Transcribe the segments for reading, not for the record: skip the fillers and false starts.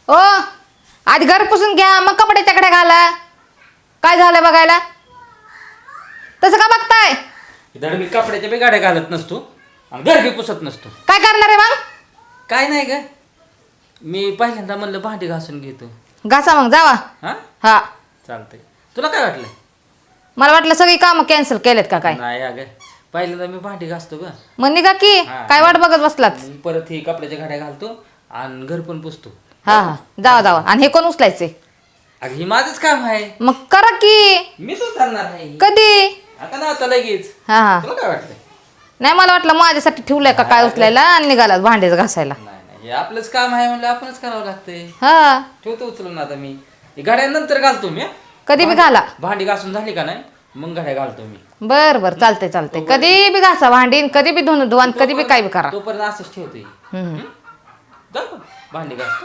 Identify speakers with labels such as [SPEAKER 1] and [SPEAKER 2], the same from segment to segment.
[SPEAKER 1] ओ आधी घर पुसून घ्या मग कपडे त्याकडे घाला. काय झालं बघायला? तसं का बघताय?
[SPEAKER 2] धड मी कपड्याच्या बी गाड्या घालत नसतो आणि घर बी पुसत नसतो.
[SPEAKER 1] काय करणार आहे मग?
[SPEAKER 2] काय नाही ग, मी पहिल्यांदा म्हणलं भांडी घासून घेतो.
[SPEAKER 1] घासा मग जावा.
[SPEAKER 2] हा
[SPEAKER 1] हा
[SPEAKER 2] चालतंय. तुला काय वाटलं?
[SPEAKER 1] मला वाटलं सगळी कामं कॅन्सल केलेत का काय.
[SPEAKER 2] नाही अगं, पहिल्यांदा मी भांडी घासतो ग.
[SPEAKER 1] मग निघा की.
[SPEAKER 2] हा.
[SPEAKER 1] काय वाट बघत बसलात?
[SPEAKER 2] मग परत ही कपड्याच्या गाड्या घालतो आणि घर पण पुसतो.
[SPEAKER 1] हा हा जावा जावा. आणि हे कोण उचलायचे?
[SPEAKER 2] अगं ही माझंच काम आहे,
[SPEAKER 1] मग करा की.
[SPEAKER 2] मीच उचलणार आहे.
[SPEAKER 1] कधी?
[SPEAKER 2] आता ना आता लगेच.
[SPEAKER 1] हा हा
[SPEAKER 2] तुला काय वाटलं?
[SPEAKER 1] नाही मला वाटलं माझ्यासाठी ठेवलंय का काय उचलायला आणि निघाला भांडेच घासायला.
[SPEAKER 2] नाही नाही, हे आपलंच काम आहे म्हणलं आपणच करावं लागतंय.
[SPEAKER 1] हा
[SPEAKER 2] ठेवतो उचलून आता मी. ही गाड्या नंतर घालतो मी.
[SPEAKER 1] कधी बी घाला.
[SPEAKER 2] भांडी घासून झाली का नाही मग गाड्या घालतो मी.
[SPEAKER 1] बर बर चालतंय चालतंय. कधी बी घासा भांडी, कधी बी धुवून धुवा, कधी बी काय बी करा.
[SPEAKER 2] तोपर्यंत असंच ठेवतोय.
[SPEAKER 1] हम्म.
[SPEAKER 2] जाऊ का? भांडी घासतो.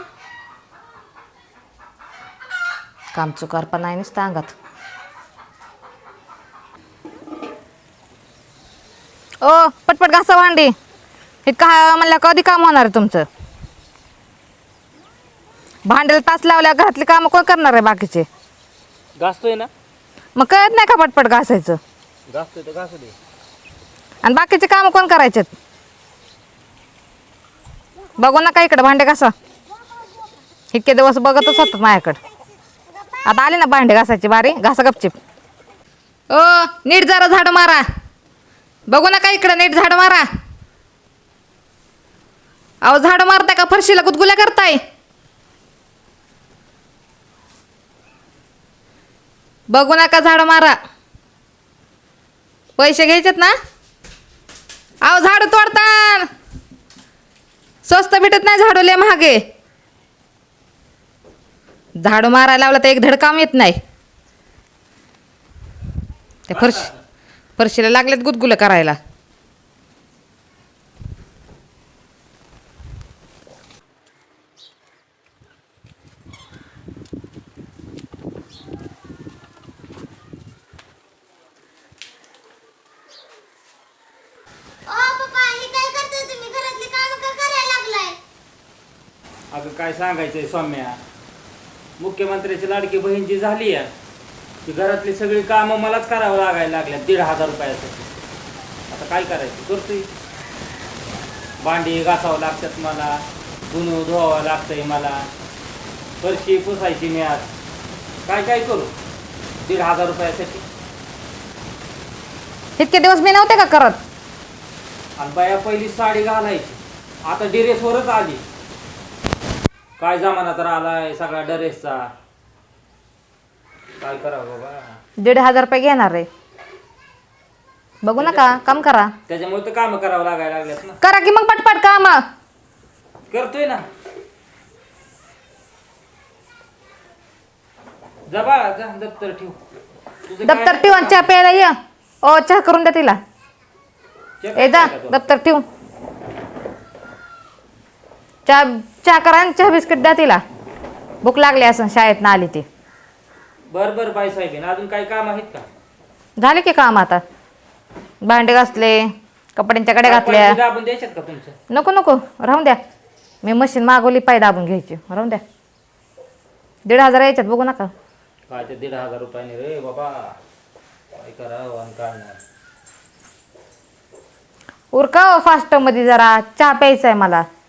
[SPEAKER 1] काम चुकार पण नाही नुसतं अंगात. ओ पटपट घासा भांडी. हे का म्हणलं कधी काम होणार आहे तुमचं? भांड्याला तास लावल्या घरातली कामं कोण करणार आहे बाकीचे?
[SPEAKER 2] घासतोय ना?
[SPEAKER 1] मग कळत नाही का पटपट घासायचं?
[SPEAKER 2] घासतोय तर घासू दे.
[SPEAKER 1] आणि बाकीचे कामं कोण करायचे? बघू नका इकडे भांडे घासा. इतके दिवस बघतच होतात माझ्याकडे. आता आली ना भांडे घासायची बारी. घासा गपचिप. ओ नीट जरा झाड मारा. बघू नका इकडे नीट झाड मारा. अहो झाड मारताय का फरशीला गुदगुल्या करताय? बघू नका झाड मारा. पैसे घ्यायचेत ना? अहो झाड तोडतान. स्वस्त भेटत नाही झाडू लय महागे. झाडू मारायला लावलं तर एक धड काम येत नाही. त्या फरशीला लागलेत गुदगुलं करायला.
[SPEAKER 2] अगं काय सांगायचंय सौम्या, मुख्यमंत्र्याची लाडकी बहीण जी झाली आहे ती घरातली सगळी कामं मलाच करावं लागायला लागल्या 1,500 रुपयासाठी. आता काय करायचं? करतोय. भांडी घासावं लागतात मला, धुणं धुवावं लागतंय मला, फरशी पुसायची मी आज. काय काय करू 1,500 रुपयासाठी?
[SPEAKER 1] इतके दिवस मी नव्हते का करत?
[SPEAKER 2] आणि बाया पहिली साडी घालायची, आता ड्रेसवरच आली. काय जमाना तर आलाय सगळा ड्रेसचा. काय करावं बाबा?
[SPEAKER 1] 1,500 रुपये घेणार रे. बघू नका काम करा.
[SPEAKER 2] त्याच्यामुळे तर काम करावं लागायला लागल्यात ना.
[SPEAKER 1] करा की मग पटपट काम.
[SPEAKER 2] करतोय ना. जा बाळा जा, दप्तर ठेव. तुझं काय
[SPEAKER 1] दप्तर ठेव आणि चहा प्यायला ये. ओ चहा करून द्या तिला.
[SPEAKER 2] चेक
[SPEAKER 1] ए जा
[SPEAKER 2] केलं का तू?
[SPEAKER 1] दप्तर ठेव. चहा करा आणि चहा बिस्किट द्या तिला. भूक लागली असं शाळेत ना आली ती.
[SPEAKER 2] बरं बरं बाई साहेब, अजून काही काम आहेत का?
[SPEAKER 1] झाले की काम आता. भांडे घासले, कपड्यांच्या कडे घातल्या.
[SPEAKER 2] पैसे दाबून द्यायच्यात का तुमचं?
[SPEAKER 1] नको नको राहून द्या. मी मशीन मागवली पाय दाबून घ्यायची. राहून द्या. 1,500 यायच्यात बघू नका.
[SPEAKER 2] काय ते 1,500 रुपयाने रे बाबा, काय करावं आणि काय नाही.
[SPEAKER 1] उरका फास्ट मध्ये जरा चहा प्यायचा आहे मला.